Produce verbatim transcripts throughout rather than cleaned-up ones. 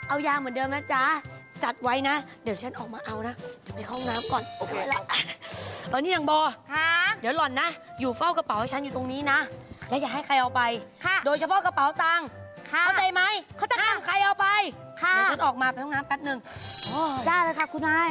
เอายาเหมือนเดิมนะจ๊ะจัดไว้นะเดี๋ยวฉันออกมาเอานะเดี๋ยวไปเข้าห้องน้ำก่อนโอเคละเออนี่นางโบค่ะเดี๋ยวหล่อนนะอยู่เฝ้ากระเป๋าให้ฉันอยู่ตรงนี้นะและอย่าให้ใครเอาไปค่ะโดยเฉพาะกระเป๋าตังค์ค่ะเข้าใจไหมเข้าใจห้ามใครเอาไปค่ะเดี๋ยวฉันออกมาไปห้องน้ำแป๊บหนึ่งโอ้ยได้เลยค่ะคุณนาย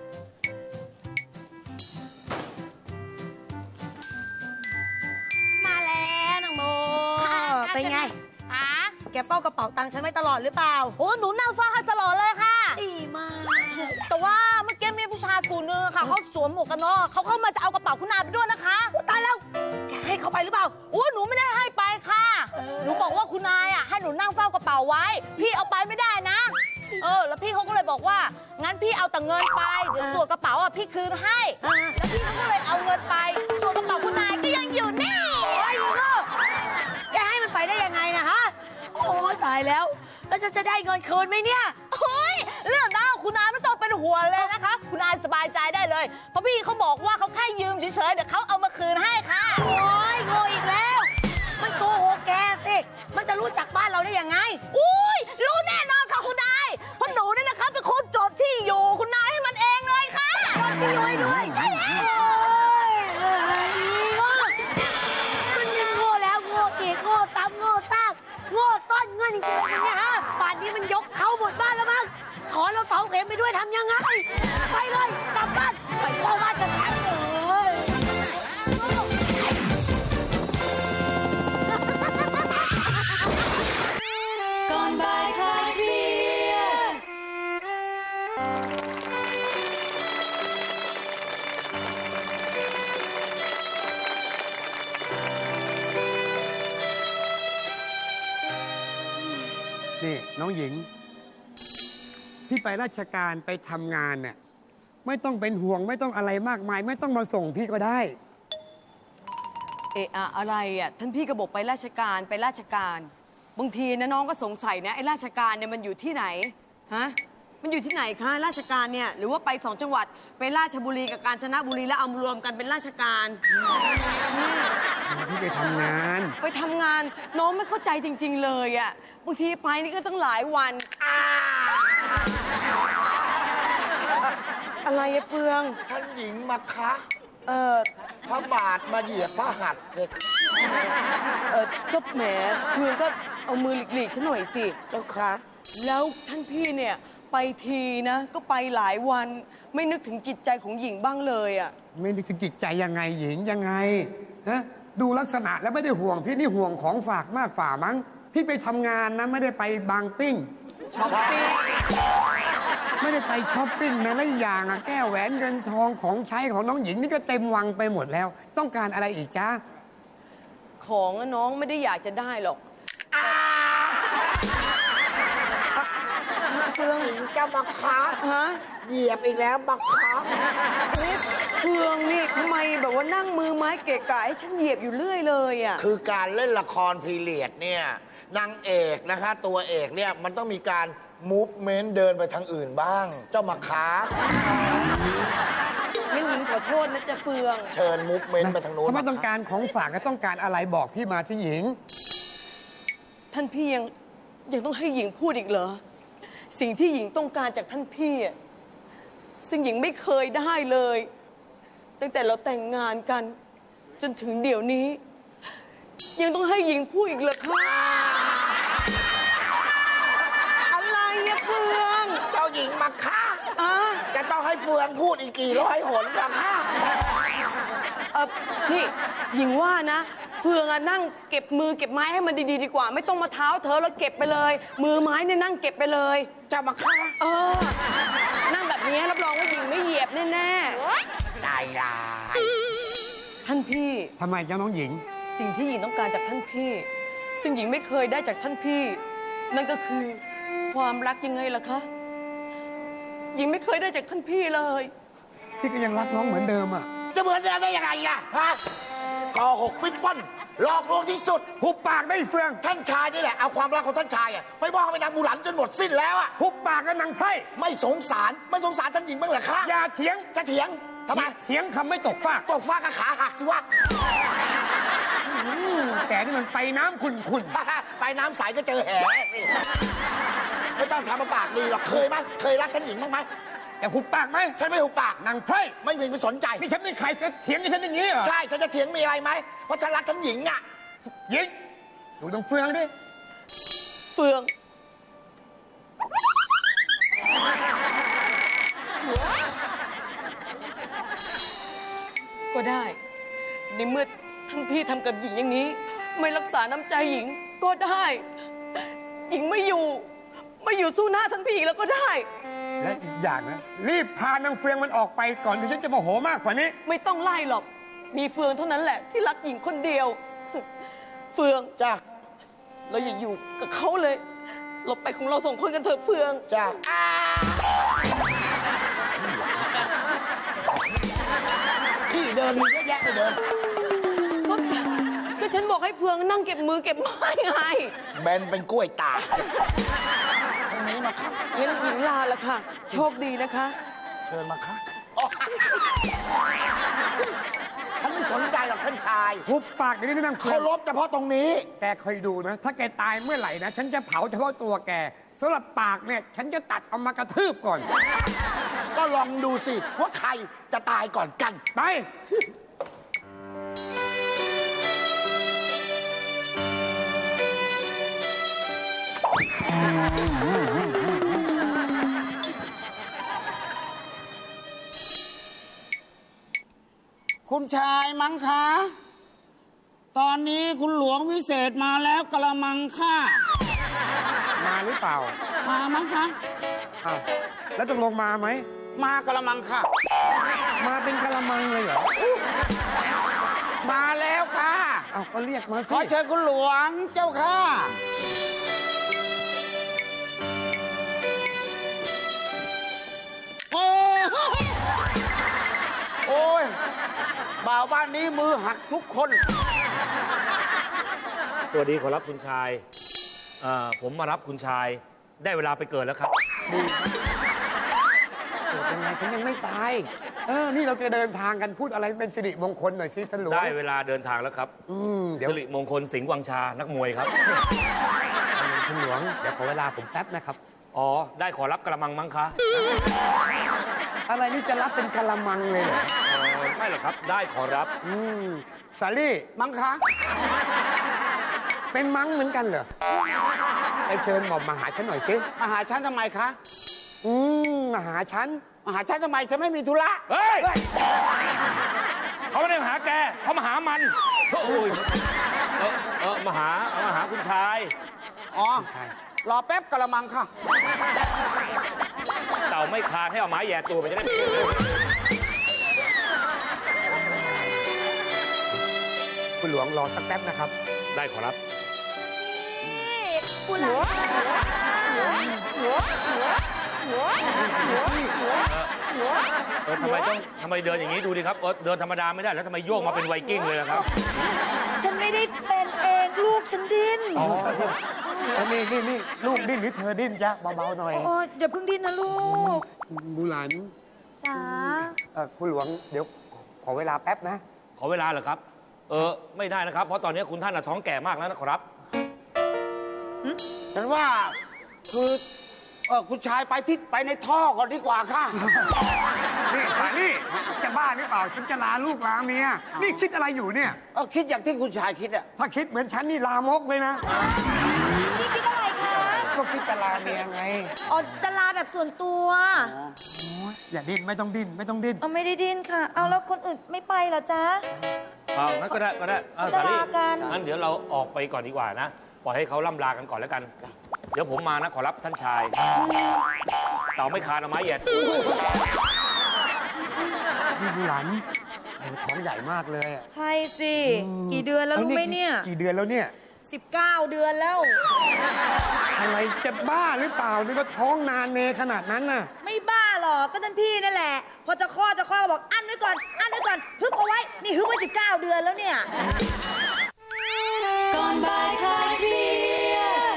มาแล้วนางโบค่ะเป็นไงค่ะแกเฝ้ากระเป๋าตังค์ฉันไว้ตลอดหรือเปล่าโอ้หนูนั่งเฝ้าให้ตลอดเลยค่ะดีมากแต่ว่าเมื่อกี้มีผู้ชายกลุ่มนึงค่ะเขาสวมหมวกกันน็อกเขาเข้ามาจะเอากระเป๋าคุณนายไปด้วยนะคะตายแล้วแกให้เขาไปหรือเปล่าโอ้หนูไม่ได้ให้ไปค่ะเออหนูบอกว่าคุณนายอ่ะให้หนูนั่งเฝ้ากระเป๋าไว้ พี่เอาไปไม่ได้นะ เออ แล้วพี่เขาก็เลยบอกว่า งั้นพี่เอาแต่เงินไป เดี๋ยวส่วนกระเป๋าอ่ะพี่คืนให้อ่าแล้วพี่เขาก็เลยเอาเงินไป ส่วนกระเป๋าคุณนายก็ยังอยู่นี่โอ้ยลูกแกให้มันไปได้ยังไงนะฮะโอ้ยตายแล้วแล้วฉันจะได้เงินคืนไหมเนี่ยเฮ้ยเรื่องนั้นคุณนายไม่ต้องเป็นห่วงเลยนะคะ คุณนายสบายใจได้เลย เพราะพี่เขาบอกว่าเขาแค่ยืมเฉยๆ เดี๋ยวเขาเอามาคืนให้ค่ะโอ้ยโง่อีกแล้ว มันโกหกแกสิ มันจะรู้จักบ้านเราได้ยังไงอุ้ยรู้แน่นอนค่ะคุณนายเพราะหนูเนี่ยนะคะเป็นคนจดที่อยู่คุณนายให้มันเองเลยค่ะพี่รวยด้วยใช่แล้วเอ้ยดีมากมันยังโง่แล้วโง่อีกโง่ซ้ำโง่ซากโง่ซ่อนเงินจริงๆเนี่ยฮะป่านนี้มันยกเขาหมดบ้านแล้วมั้งขอเราเสาเข็มไปด้วยทำยังไง ไปเลยกลับบ้านไปเข้าบ้านกันทั้งเลย ก่อนบ่ายคลายเครียดนี่น้องหญิง ที่ไปราชการไปทำงานเนี่ยไม่ต้องเป็นห่วงไม่ต้องอะไรมากมาย ไม่ต้องมาส่งพี่ก็ได้เอะอะอะไรอ่ะท่านพี่ก็บอกไปราชการไปราชการ บางทีนะน้องก็สงสัยนะไอ้ราชการเนี่ยมันอยู่ที่ไหนฮะมันอยู่ที่ไหนคะราชการเนี่ยหรือว่าไปสองจังหวัดไปราชบุรีกับกาญจนบุรีแล้วเอามารวมกันเป็นราชการพี่ไปทำงานไปทำงานน้องไม่เข้าใจจริง ๆ เลยอ่ะบางทีไปนี่ก็ตั้งหลายวันอะไรอะเฟืองท่านหญิงมาคะเออพระบาทมาเหยียบพระหัตถ์เลยค่ะเออก็แหมเฟืองก็เอามือหลีกๆฉันหน่อยสิเจ้าค่ะแล้วท่านพี่เนี่ยไปทีนะก็ไปหลายวันไม่นึกถึงจิตใจของหญิงบ้างเลยอ่ะไม่ได้ถึงจิตใจยังไงหญิงยังไงฮะดูลักษณะแล้วไม่ได้ห่วงพี่นี่ห่วงของฝากมากฝ่ามั้งพี่ไปทำงานนะไม่ได้ไปบางปิ้งช้อปปิ้งไม่ได้ไปช้อปปิ้งนะและอีกอย่างอะแก้วแหวนเงินทองของใช้ของน้องหญิงนี่ก็เต็มวังไปหมดแล้ว ต้องการอะไรอีกจ้าของอะน้องไม่ได้อยากจะได้หรอกเฟืองหญิงจะมาคะฮะเหยียบอีกแล้วมาคะเฟืองนี่ทำไมแบบว่านั่งมือไม้เกะกะให้ฉันเหยียบอยู่เรื่อยเลยอ่ะคือการเล่นละครพีเรียดเนี่ยนางเอกนะคะ ตัวเอกเนี่ยมันต้องมีการมูฟเมนต์เดินไปทางอื่นบ้าง เจ้ามาคะงั้นหญิงขอโทษนะจ๊ะเฟืองเชิญมูฟเมนต์ไปทางโน้นถ้าไม่ต้องการของฝากก็ต้องการอะไรบอกพี่มาที่หญิงท่านพี่ยังยังต้องให้หญิงพูดอีกเหรอสิ่งที่หญิงต้องการจากท่านพี่อะซึ่งหญิงไม่เคยได้เลย ตั้งแต่เราแต่งงานกัน จนถึงเดี๋ยวนี้ ยังต้องให้หญิงพูดอีกเหรอคะอะไรอะเฟืองเจ้าหญิงมาคะอะจะต้องให้เฟืองพูดอีกกี่ร้อยหนมาคะเออพี่หญิงว่านะ เฟืองอะนั่งเก็บมือเก็บไม้ให้มันดีๆดีกว่า ไม่ต้องมาเท้าเธอแล้วเก็บไปเลย มือไม้เนี่ยนั่งเก็บไปเลยเจ้ามาคะเออ นั่งแบบนี้รับรองว่าหญิงไม่เหยียบแน่ได้ได้ๆท่านพี่ทำไมจ้าน้องหญิงสิ่งที่หญิงต้องการจากท่านพี่ ซึ่งหญิงไม่เคยได้จากท่านพี่ นั่นก็คือความรักยังไงล่ะคะหญิงไม่เคยได้จากท่านพี่เลยพี่ก็ยังรักน้องเหมือนเดิมอ่ะจะเหมือนเดิมได้ยังไงล่ะฮะกอหกปิดป้นหลอกลวงที่สุดหุบปากได้เฟืองท่านชายนี่แหละเอาความรักของท่านชายอะไปมอบให้นางบุหลันจนหมดสิ้นแล้วอะหุบปากกันนางไพร่ไม่สงสารไม่สงสารท่านหญิงบ้างเหรอคะอย่าเถียงจะเถียงทำไมเถียงคำไม่ตกฟากตกฟ้ากระขาหักสิวะแต่นี่มันไปน้ำขุ่นขุ่นไปน้ำใสก็เจอแหสิไม่ต้องทำมาปากดีหรอกเคยไหมเคยรักท่านหญิงบ้างไหมแกหุบปากไหมฉันไม่หุบปากนางไพร่ไม่มีไปสนใจนี่ฉันเป็นใครจะเถียงกับฉันอย่างนี้เหรอใช่ฉันจะเถียงมีอะไรไหมเพราะฉันรักท่านหญิงอ่ะหญิงดูตรงเฟืองดิเฟือง ก็ได้ ในเมื่อท่านพี่ทำกับหญิงอย่างนี้ ไม่รักษาน้ำใจหญิงก็ได้ หญิงไม่อยู่ ไม่อยู่สู้หน้าท่านพี่อีกแล้วก็ได้และอีกอย่างนะรีบพานางเฟืองมันออกไปก่อนที่ฉันจะโมโหมากกว่านี้ไม่ต้องไล่หรอก มีเฟืองเท่านั้นแหละ ที่รักหญิงคนเดียว เฟืองจ้าเราอย่าอยู่กับเขาเลย เราไปของเราสองคนกันเถอะเฟืองจ้าที่เดินมีเยอะแยะไปเดินก็ก็ฉันบอกให้เฟืองนั่งเก็บมือเก็บไม้ไงแบนเป็นกล้วยตากทางนี้มาค่ะงั้นหญิงลาละค่ะ โชคดีนะคะเชิญมาค่ะอ๋อฉันไม่สนใจหรอกท่านชายหุบปากเดี๋ยวนี้นางเฟือเคาง รพเฉพาะตรงนี้แกคอยดูนะ ถ้าแกตายเมื่อไหร่นะ ฉันจะเผาเฉพาะตัวแกสำหรับปากเนี่ย ฉันจะตัดเอามากระทืบก่อนก็ลองดูสิ ว่าใครจะตายก่อนกันไปคุณชายมั้งคะ ตอนนี้คุณหลวงวิเศษมาแล้วกระมังค่ะมาหรือเปล่ามามั้งคะอ้าวแล้วตกลงมาไหมมากระมังค่ะมาเป็นกะละมังเลยเหรอมาแล้วค่ะอ้าวก็เรียกมาขสิอเชิญคุณหลวงเจ้าค่ะ โอ้ยโอ้ยบ่าวบ้านนี้มือหักทุกคนสวัสดีขอรับคุณชายเอ่อผมมารับคุณชายได้เวลาไปเกิดแล้วครับเกิดยังไงฉันยังไม่ตาย เออ นี่เราจะเดินทางกันพูดอะไรเป็นสิริมงคลหน่อยสิท่านหลวงได้เวลาเดินทางแล้วครับอืมเดี๋ยวสิริมงคลสิงห์วังชานักมวยครับท่านหลวง เดี๋ยวขอเวลาผมแป๊บนะครับอ๋อ ได้ขอรับกระมังมั้งคะอะไรนี่จะรับเป็นกะละมังเลยเหรอเอ่อไม่หรอกครับ ได้ขอรับอืมสาลี่มั้งคะเป็นมังเหมือนกันเหรอไปเชิญหม่อมมาหาฉันหน่อยสิมาหาฉันทำไมคะอืมมาหาฉันมาหาฉันทำไมฉันไม่มีธุระเฮ้ย เขาไม่ได้มาหาแก เขามาหามันโอ้ยเออเออมาหาเอามาหาคุณชายอ๋อ รอแป๊บกระมังค่ะเต่าไม่คานให้เอาไม้แย่ตัวไปจะได้คุณหลวงรอสักแป๊บนะครับได้ขอรับคุณหลวงเออทำไมต้องทำไมเดินอย่างนี้ดูดิครับเออเดินธรรมดาไม่ได้แล้วทำไมโยกมาเป็นไวกิ้งเลยล่ะครับฉันไม่ได้เป็นเองลูกฉันดิ้นอ๋อนี่นี่นี่ลูกดิ้นหรือเธอดิ้นจ๊ะเบาๆหน่อยโอ้อย่าเพิ่งดิ้นนะลูกบูหลานจ๋าเอ่อคุณหลวงเดี๋ยวขอเวลาแป๊บนะขอเวลาเหรอครับ เออไม่ได้นะครับ เพราะตอนนี้คุณท่านน่ะท้องแก่มากแล้วนะครับฉันว่าคือเออคุณชายไปที่ไปในท่อก่อนดีกว่าค่ะนี่สาลี่จะบ้าหรือเปล่า ฉันจะลาลูกลาเมีย นี่คิดอะไรอยู่เนี่ยเออคิดอย่างที่คุณชายคิดอะถ้าคิดเหมือนฉันนี่ลามกเลยนะนี่คิดอะไรคะก็คิดจะลาเมียไงอ๋อจะลาแบบส่วนตัวอย่าดิ้นไม่ต้องดิ้นไม่ต้องดิ้นเอาไม่ได้ดิ้นค่ะ เอาแล้วคนอื่นไม่ไปเหรอจ๊ะเอางั้นก็ได้ก็ได้เอาจะสาลีลากันงั้นเดี๋ยวเราออกไปก่อนดีกว่านะ ปล่อยให้เขาล่ำลากันก่อนแล้วกัน เดี๋ยวผมมานะขอรับท่านชาย เต่าไม่คานเอาไม้แย่ตัวนี่บูหลานโอ้ท้องใหญ่มากเลยอะใช่สิ กี่เดือนแล้วรู้ไหมเนี่ยกี่เดือนแล้วเนี่ยสิบเก้าเดือนแล้วอะไรจะบ้าหรือเปล่า นี่ก็ท้องนานเนขนาดนั้นน่ะไม่บ้าหรอกก็ท่านพี่นั่นแหละ พอจะคลอดจะคลอดก็บอกอั้นไว้ก่อน อั้นไว้ก่อนฮึบเอาไว้ นี่ฮึบไว้สิบเก้าเดือนแล้วเนี่ยก่อนบ่ายคลายเครียด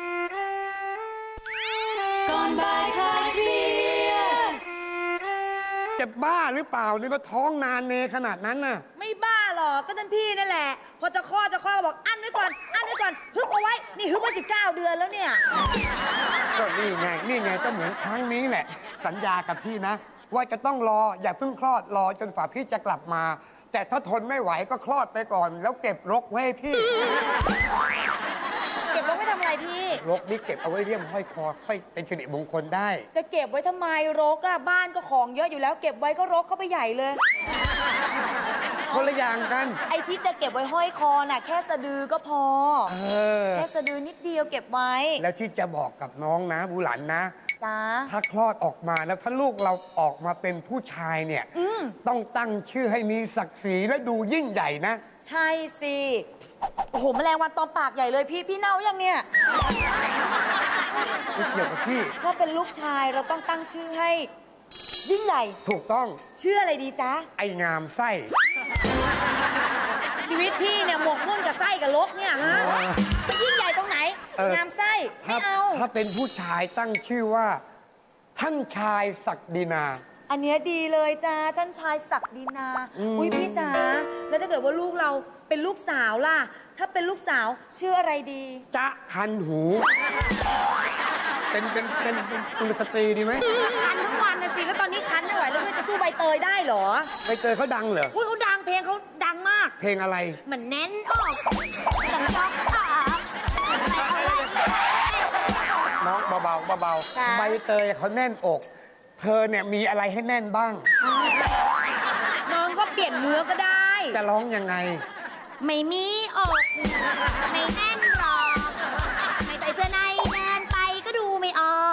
ก่อนบ่ายคลายเครียดจะบ้าหรือเปล่า นี่ก็ท้องนานเนขนาดนั้นน่ะไม่บ้าหรอกก็ท่านพี่นั่นแหละ พอจะคลอดจะคลอดก็บอกอั้นไว้ก่อน อั้นไว้ก่อนฮึบเอาไว้ นี่ฮึบไว้สิบเก้าเดือนแล้วเนี่ยก็นี่ไง นี่ไงก็เหมือนครั้งนี้แหละ สัญญากับพี่นะ ว่าจะต้องรออย่าเพิ่งคลอดรอจนฝ่าพี่จะกลับมา แต่ถ้าทนไม่ไหวก็คลอดไปก่อน แล้วเก็บรกไว้ให้พี่เก็บไว้ไม่ทำอะไรพี่รกนี่เก็บเอาไว้เลี่ยมห้อยคอค่อยเป็นสิริมงคลได้จะเก็บไว้ทำไมรกอะบ้านก็ของเยอะอยู่แล้ว เก็บไว้ก็รกเข้าไปใหญ่เลยคนละอย่างกันไอ้ที่จะเก็บไว้ห้อยคอน่ะ แค่สะดือก็พอเออแค่สะดือนิดเดียวเก็บไว้แล้วที่จะบอกกับน้องนะบุหลันนะจ้าถ้าคลอดออกมาแล้วถ้าลูกเราออกมาเป็นผู้ชายเนี่ยอืมต้องตั้งชื่อให้มีศักดิ์ศรีและดูยิ่งใหญ่นะใช่สิ โอ้โหแมลงวันตอมปากใหญ่เลยพี่ พี่เน่ายังเนี่ยไม่เกี่ยวกับพี่ถ้าเป็นลูกชายเราต้องตั้งชื่อให้ ยิ่งใหญ่ถูกต้องชื่ออะไรดีจ๊ะไอ้งามไส้ชีวิตพี่เนี่ยหมกมุ่นกับไส้กับลกเนี่ยฮะมันยิ่งใหญ่ตรงไหนเอองามไส้ ไม่ถ้าเอาถ้าเป็นผู้ชายตั้งชื่อว่า ท่านชายศักดินาอันเนี้ยดีเลยจ้าท่านชายศักดินาอืมอุ้ยพี่จ๋าแล้วถ้าเกิดว่าลูกเราเป็นลูกสาวล่ะ ถ้าเป็นลูกสาวชื่ออะไรดีจ๊ะคันหู เป็นเป็นเป็นเป็นกุลสตรีดีไหมคันทั้งวันนะสิแล้วตอนนี้คันไม่ไหวแล้วจะสู้ใบเตยได้เหรอใบเตยเขาดังเหรออุ้ยเขาดังเพลงเขาดังมากเพลงอะไรเหมือนแน่นออกจังจังขาไม่เอาไรน้องเบาๆเบาจ้ะๆใบเตยเขาแน่นอก เธอเนี่ยมีอะไรให้แน่นบ้างน้องก็เปลี่ยนเนื้อก็ได้จะร้องยังไงไม่มีอกไม่แน่นหรอกไม่ใส่เสื้อในเดินไปก็ดูไม่ออก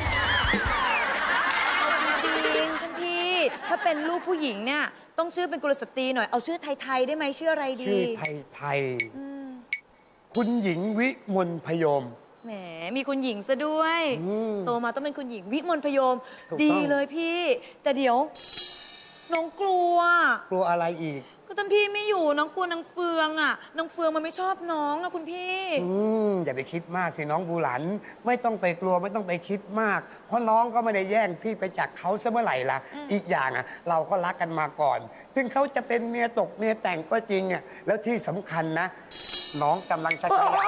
จริงๆท่านพี่ ถ้าเป็นลูกผู้หญิงเนี่ย ต้องชื่อเป็นกุลสตรีหน่อย เอาชื่อไทย ๆ ได้ไหมชื่ออะไรดีชื่อไทยไทยอืมๆคุณหญิงวิมลพยมแหม มีคุณหญิงซะด้วยอืมโตมาต้องเป็นคุณหญิงวิมลพยมถูกต้องดีเลยพี่ แต่เดี๋ยว น้องกลัวกลัวอะไรอีกก็ท่านพี่ไม่อยู่น้องกลัวนางเฟืองอ่ะนางเฟืองมันไม่ชอบน้องนะคุณพี่อืมอย่าไปคิดมากสิน้องบูหลัน ไม่ต้องไปกลัวไม่ต้องไปคิดมาก เพราะน้องก็ไม่ได้แย่งพี่ไปจากเขาซะเมื่อไหร่ล่ะ อีกอย่างอ่ะ เราก็รักกันมาก่อน ถึงเขาจะเป็นเมียตกเมียแต่งก็จริงอ่ะแล้วที่สำคัญนะ น้องกำลังจะขยาย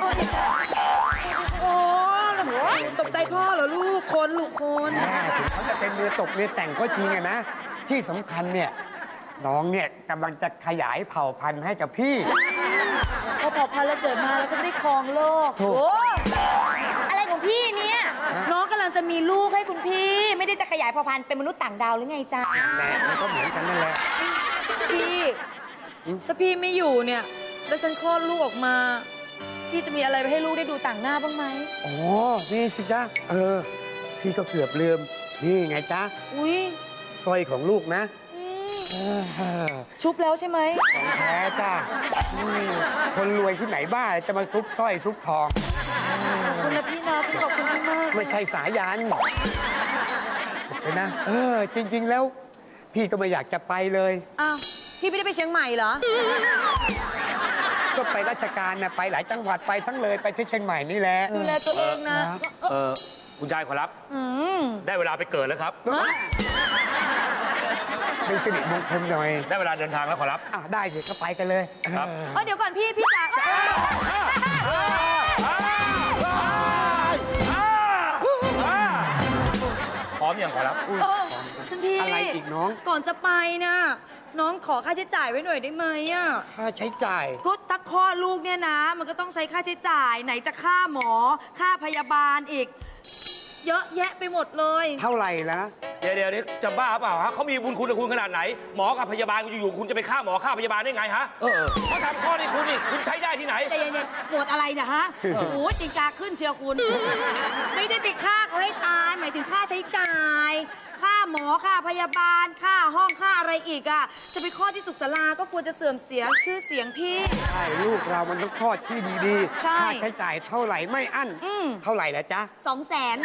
โอ้ตกใจพ่อเหรอลูกคนลูกคนแม่ถึงเขาจะเป็นเมียตกเมียแต่งก็จริงอะนะ ที่สำคัญเนี่ย น้องเนี่ยกำลังจะขยายเผ่าพันธุ์ให้กับพี่พอพอพันแล้วเกิดมาแล้วก็ได้ครองโลกถูกโอ้อะไรของพี่เนี่ย น้องกำลังจะมีลูกให้คุณพี่ ไม่ได้จะขยายเผ่าพันธุ์เป็นมนุษย์ต่างดาวหรือไงจ๊ะแม่มันก็เหมือนกันนั่นแหละพี่ ถ้าพี่ไม่อยู่เนี่ยแล้วฉันคลอดลูกออกมา พี่จะมีอะไรไปให้ลูกได้ดูต่างหน้าบ้างไหมอ๋อ นี่สิจ๊ะ เออ พี่ก็เกือบลืม นี่ไงจ๊ะอุ้ยสร้อยของลูกนะอืมเออชุบแล้วใช่ไหมของแท้จ้ะอืมคนรวยที่ไหนบ้าจะมาซุกสร้อยซุกทองคุณนะพี่นะฉันขอบคุณพี่มากไม่ใช่สายันเห็นนะ เออ จริง ๆ แล้ว พี่ก็ไม่อยากจะไปเลยอ้าวพี่ไม่ได้ไปเชียงใหม่เหรอก็ไปราชการนะไปหลายจังหวัดไปทั้งเลยไปที่เชียงใหม่นี่แหละดูแลตัวเองนะเออคุณชายขอรับอืมได้เวลาไปเกิดแล้วครับเป็นสิริมงคลหน่อยได้เวลาเดินทางแล้วขอรับอ่ะได้สิก็ไปกันเลยครับเออเอ้ยเดี๋ยวก่อนพี่พี่จ๋าเอ้ยพร้อมอย่างขอรับเออท่านพี่อะไรอีกน้องก่อนจะไปนะน้องขอค่าใช้จ่ายไว้หน่อยได้ไหมอ่ะค่าใช้จ่ายก็ถ้าคลอดลูกเนี่ยนะ มันก็ต้องใช้ค่าใช้จ่าย ไหนจะค่าหมอ ค่าพยาบาลอีก เยอะแยะไปหมดเลยเท่าไหร่ละเดี๋ยวเดี๋ยวเดี๋ยวจะบ้าเปล่าฮะเขามีบุญคุณกับคุณขนาดไหน หมอกับพยาบาลอยู่ๆคุณจะไปฆ่าหมอฆ่าพยาบาลได้ไงฮะเออเขาทำข้อนี้คุณนี่คุณใช้ได้ที่ไหนแต่เย็นๆปวดอะไรเนี่ยฮะ โอ้โหจริงจาขึ้นเชียวคุณ ไม่ได้ไปฆ่าเขาให้ตาย หมายถึงค่าใช้จ่าย ค่าหมอ ค่าพยาบาล ค่าห้อง ค่าอะไรอีกอ่ะ จะไปคลอดที่สุขศาลาก็กลัวจะเสื่อมเสียชื่อเสียงพี่ใช่ลูกเรามันต้องคลอดที่ดีใช่ค่าใช้จ่ายเท่าไหร่ไม่อั้นอืมเท่าไหร่ละจ๊ะสองแสน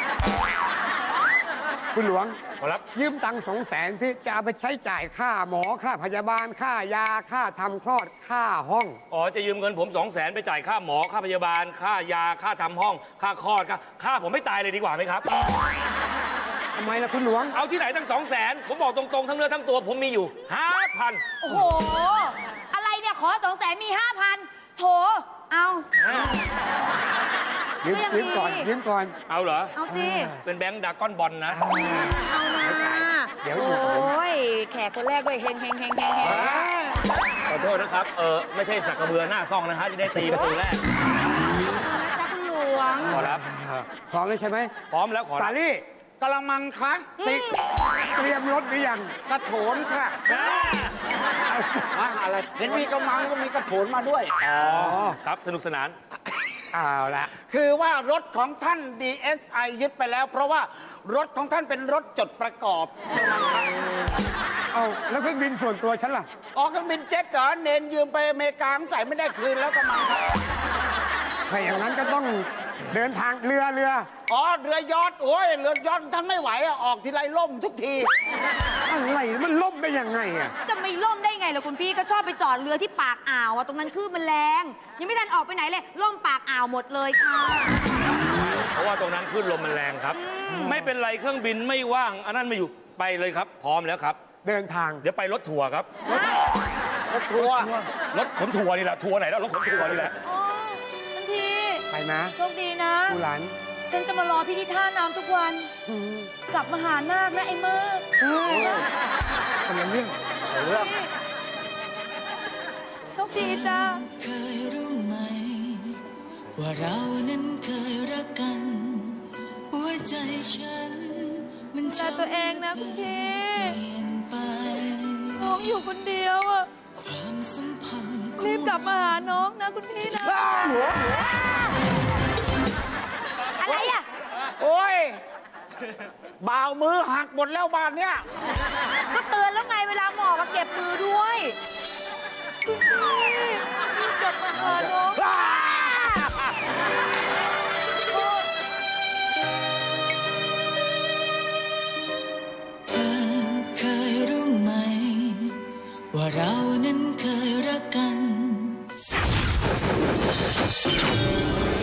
คุณหลวงขอรับยืมตังค์สองแสนพี่จะเอาไปใช้จ่ายค่าหมอค่าพยาบาล ค่ายาค่าทำคลอดค่าห้องอ๋อ จะยืมเงินผมสองแสนไปจ่ายค่าหมอ ค่าพยาบาล ค่ายา ค่าทำห้อง ค่าคลอด ค่าค่าผมไม่ตายเลยดีกว่าไหมครับทำไมล่ะคุณหลวงเอาที่ไหนทั้งสองแสนผมบอกตรงๆ ทั้งเนื้อทั้งตัวผมมีอยู่ห้าพันโอ้โห อะไรเนี่ย ขอสองแสนมีห้าพันโถ เอายยิ้มก็ยังยิ้มก่อนดียิ้มก่อนเอาเหรอเอาสิเป็นแบงค์ดากอนบอลนะเอานะเดี๋ยวโออยู่กับผม้ย แขกคนแรกด้วยเฮงเฮงเฮงเฮงเฮงขอโทษนะครับ เออไม่ใช่สักกระเบือหน้าซ่องนะฮะที่ได้ตีประตูแรกจ้าคุณหลวงขอรับพร้อมแล้วใช่ไหมพร้อมแล้วขอสารับลี่กระมังคะติดเตรียมรถหรือยังกระโถนค่ะอะอะไรเห็นมีกระมังก็มีกระโถนมาด้วยอ๋อ ครับ สนุกสนานเอาละคือว่ารถของท่าน ดี เอส ไอ ยึดไปแล้ว เพราะว่ารถของท่านเป็นรถจดประกอบเอาแล้วเครื่องบินส่วนตัวฉันล่ะออกเครื่องบินเจ็ตเหรอเนนยืมไปอเมริกาใส่ไม่ได้คืนแล้วกระมังครับถ้าอย่างนั้นก็ต้องเดินทางเรือเรืออ๋อเรือยอทโอ้ยเรือยอทท่านไม่ไหวอะออกทีไรล่มทุกทีอะไรมันล่มได้ยังไงอ่ะจะไม่ล่มได้ไงล่ะคุณพี่ก็ชอบไปจอดเรือที่ปากอ่าวอะตรงนั้นคลื่นมันแรง ยังไม่ทันออกไปไหนเลยล่มปากอ่าวหมดเลยค่ะเพราะว่าตรงนั้นคลื่นลมมันแรงครับ ไม่เป็นไรเครื่องบินไม่ว่าง อันนั้นไม่อยู่ไปเลยครับ พร้อมแล้วครับเดินทางเดี๋ยวไปรถทัวร์ครับรถทัวร์รถขนทัวร์นี่แหละ ทัวร์ไหนแล้วรถขนทัวร์นี่แหละโอ้คุณพี่ไปนะโชคดีนะกูหลานฉันจะมารอพี่ที่ท่าน้ำทุกวันอืมกลับมาหานาคนะไอ้เมิร์กคนละเรื่องเรื่องโชคดีจ้าเคยรู้ไหม ว่าเรานั้นเคยรักกัน หัวใจฉัน มันดูแลตัวเองนะคุณพี่เปลี่ยนไปน้องอยู่คนเดียวอ่ะความสัมพันธ์ของรีบกลับมาหาน้องนะคุณพี่นะ อะไรอ่ะโอ้ยบ่าวมือหักหมดแล้วบ้านเนี้ยก็เตือนแล้วไงเวลาหมอกเก็บมือด้วยคุณพี่รีบกลับมาหาน้องเธอเคยรู้ไหม ว่าเรานั้นเคยรักกัน